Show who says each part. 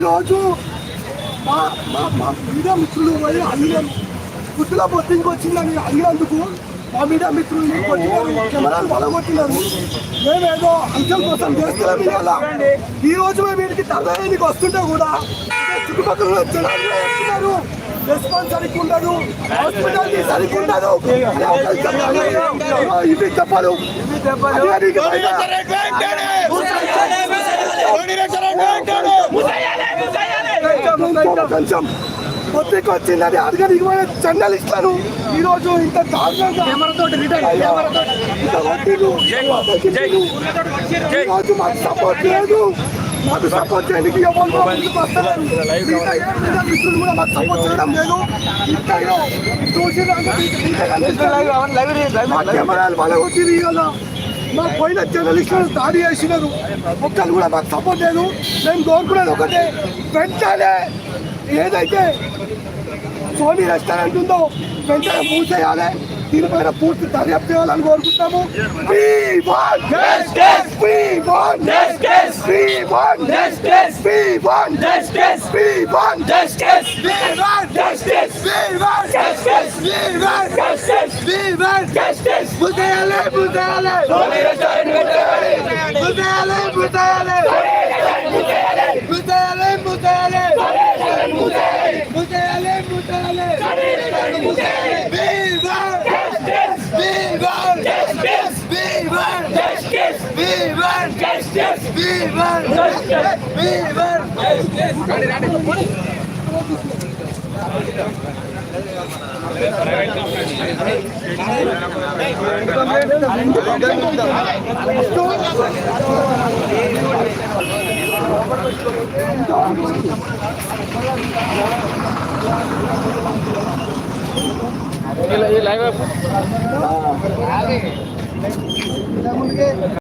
Speaker 1: రోజు మా మా మా మీడియా మిత్రులు పోయి అడిగాను, గుర్తులో బొత్తింగ్ వచ్చిందని అడిగినందుకు మా మీడియా మిత్రులు కొట్టినారు, కెమెరాలు బలగొట్టినారు. మేమేదో అంశం కోసం చేస్తున్నాం. ఇవాళ ఈ రోజు మేము వీటికి తరలికి వస్తుంటే కూడా చుట్టుపక్కల జనాలు వస్తున్నారు. రెస్పాన్స్ సరిగ్గా ఉండదు, హాస్పిటాలిటీ సరిగ్గా ఉండదు. ఇవి చెప్పారు. కొంచెం పొత్తికి వచ్చిందని అడగడానికి జర్నలిస్టులను ఈరోజు ఇంత దారుణంగా ఈరోజు మాకు సపోర్ట్ లేదు. మాకు సపోర్ట్ చేయడానికి మిత్రులు కూడా మాకు సపోర్ట్ చేయడం లేదు. కెమెరాలు వాళ్ళ వచ్చి ఇవాళ మా పోయిన జర్నలిస్టులను దాడి చేసినారు. ఒక్కరు కూడా మాకు సపోర్ట్ లేదు. మేము కోరుకునేది ఒకటే, వెంటనే ఏదైతే సోనీ రెస్టారెంట్ ఉందో వెంటనే మూసేయాలి. దీనిపైన పూర్తి దర్యాప్తు చేయాలని కోరుకుంటాము.